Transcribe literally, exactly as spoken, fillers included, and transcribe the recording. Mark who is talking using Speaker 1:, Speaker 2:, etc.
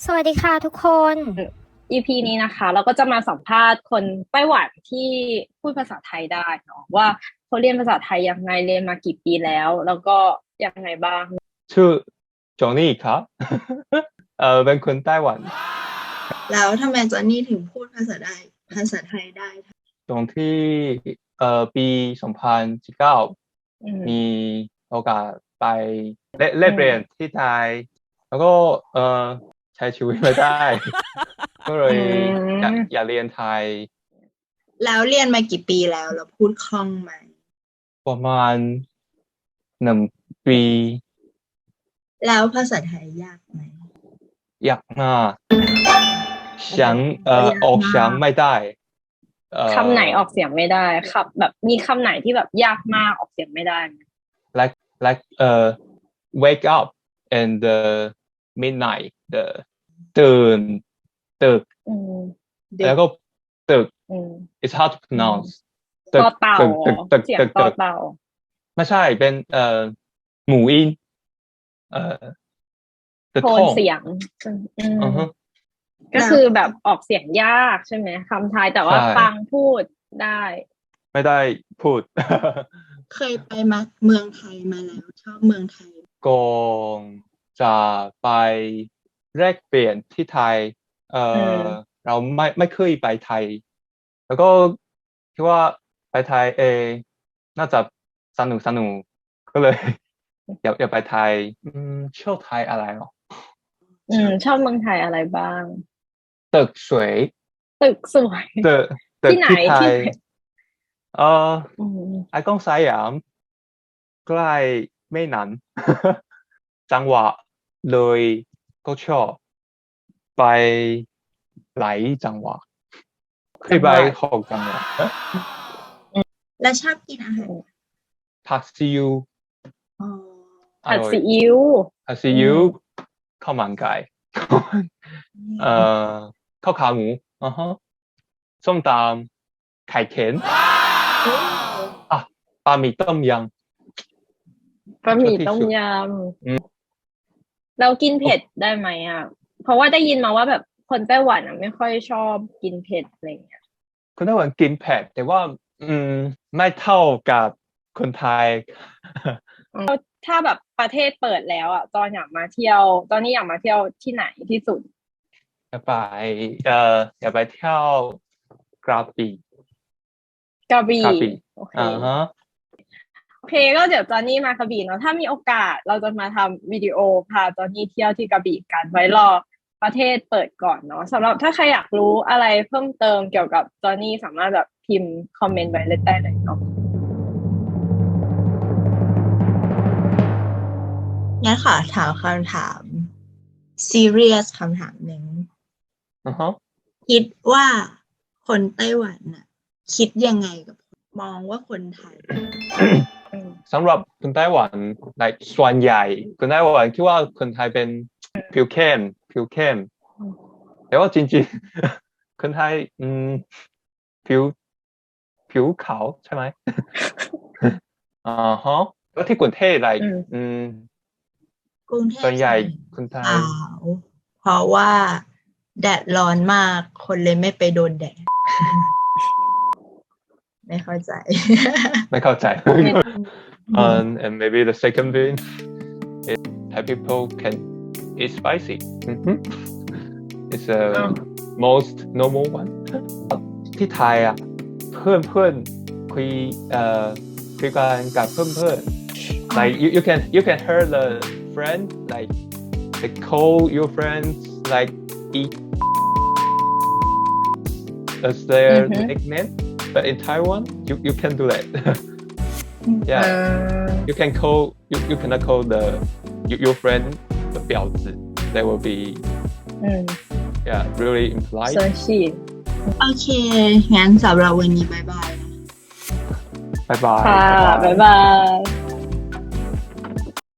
Speaker 1: สวัสดีค่ะทุกคน
Speaker 2: อี พี นี้นะคะเราก็จะมาสัมภาษณ์คนไต้หวันที่พูดภาษาไทยได้เนาะว่าเขาเรียนภาษาไทยยังไงเรียนมากี่ปีแล้วแล้วก็ยังไงบ้าง
Speaker 3: ชื่อโจนี่ครับ เออเป็นคนไต้หวัน
Speaker 4: แล้วทำไมจอนนี่ถึงพูดภาษาได้ภาษาไทยได้
Speaker 3: ตรงที่เอ่อปีสองพันสิบเก้ามีโอกาสไปเล่นเล่นเรียนที่ไทยแล้วก็เออใช้ชีวิตไม่ได้ ก็เลยอยากอยากเรียนไทย
Speaker 4: แล้วเรียนมากี่ปีแล้วแล้วพูดคล่องไหม
Speaker 3: ประมาณหนึ่งปี
Speaker 4: แล้วภาษาไทยยากไหม
Speaker 3: ยากมากเสียงเอ่อออกเสียงไม่ได้
Speaker 2: คำไหนออกเสียงไม่ได้ครับแบบมีคำไหนที่แบบยากมากออกเสียงไม่ได้
Speaker 3: like like เอ่อ wake up and the midnight the ตื่นตึกแล้วก็ตึก it's hard to pronounce
Speaker 2: ตึกเต่า
Speaker 3: ตึกตึก
Speaker 2: เสียง
Speaker 3: ตึก
Speaker 2: ต่อเต่า
Speaker 3: ไม่ใช่เป็นเอ่อหมู่อินเอ่อ
Speaker 2: โทนเสียงก็คือแบบออกเสียงยากใช่ไหมคำไทยแต่ว่าฟังพูดได้
Speaker 3: ไม่ได้พูด
Speaker 4: เคยไปมาเมืองไทยมาแล้วชอบเมืองไทย
Speaker 3: ก่อนจะไปแลกเปลี่ยนที่ไทยเอ่อเราไม่ไม่เคยไปไทยแล้วก็คิดว่าไปไทยเอน่าจะสนุกสนุกก็เลย อยากอยากไปไทยอืมชอบไทยอะไรหรอ
Speaker 2: อืมชอบเมืองไทยอะไรบ้าง
Speaker 3: ตึกสวย
Speaker 2: ตึกสวย
Speaker 3: ตึก
Speaker 2: ที่ไหนที่
Speaker 3: เอ่อไอคอนสยามใกล้แม่น้ำจังหวัดเลยก็ชอบไปหลายจังหวัดเคยไปหกจังหวัด
Speaker 4: แล้วชอบกินอาหาร
Speaker 3: ผัดซีอิ๊ว
Speaker 2: ผัดซีอิ๊ว
Speaker 3: ผัดซีอิ๊วข้าวมันไก่เอ่อข้าวขาหมูอ่าฮะส้มตำไข่เค็มอ่ะบะหมี่ต้มย
Speaker 2: ำบะหมี่ต้มยำเรากินเผ็ดได้ไหมอ่ะเพราะว่าได้ยินมาว่าแบบคนไต้หวันอ่ะไม่ค่อยชอบกินเผ็ดอะไรอย่างเงี้ย
Speaker 3: คนไต้หวันกินเผ็ดแต่ว่าอืมไม่เท่ากับคนไทย
Speaker 2: ถ้าแบบประเทศเปิดแล้วอ่ะตอนอยากมาเที่ยวตอนนี้อยากมาเที่ยวที่ไหนที่สุด
Speaker 3: อยากไปเอ่ออยากไปเที่ยวกระบี่
Speaker 2: กระบี่
Speaker 3: โอเคอ่าฮะ
Speaker 2: โอเคก็เดี๋ยวจอนนี่มากระบี่เนาะถ้ามีโอกาสเราจะมาทำวิดีโอพาจอนนี่เที่ยวที่กระบี่กันไว้รอประเทศเปิดก่อนเนาะสำหรับถ้าใครอยากรู้อะไรเพิ่มเติมเกี่ยวกับจอนนี่สามารถแบบพิมพ์คอมเมนต์ไว้ได้เลยเนาะ
Speaker 4: งั้นขอถามคำถาม serious คำถามหนึ่ง
Speaker 3: uh-huh.
Speaker 4: คิดว่าคนไต้หวันน่ะคิดยังไงกับมองว่าคนไทย
Speaker 3: สำหรับคนไต้หวัน like ส่วนใหญ่คนไต้หวันคิดว่าคนไทยเป็นผิวเข้มผิวเข้มแต่ว่าจริงๆคนไทยอืมผิวผิวขาวใช่ไหมอ่าฮะแล้วที่กรุงเทพ like อืม
Speaker 4: กรุงเทพ
Speaker 3: ส่วนใหญ่คนไทย
Speaker 4: ขาวเพราะว่าแดดร้อนมากคนเลยไม่ไปโดนแดด ไม่เข้าใจ
Speaker 3: ไม่เข้าใจ um, and maybe the second thing is Thai people can eat spicy mm-hmm. it's a oh. most normal one ที่ไทยอ่ะเพื่อนเพื่อนคุยเอ่อคุยกันกับเพื่อนเพื่อน like you you can you can hear the friend like they call your friends like eat as their mm-hmm. nickname but in Taiwan you you can do that yeah uh, you can call you you cannot call the you, your friend the 婊子 they will be mm. yeah really impolite
Speaker 4: โอเคงั้นสำหรับวันนี้บ๊ายบาย
Speaker 3: บ๊ายบาย
Speaker 2: ค่ะบ๊ายบาย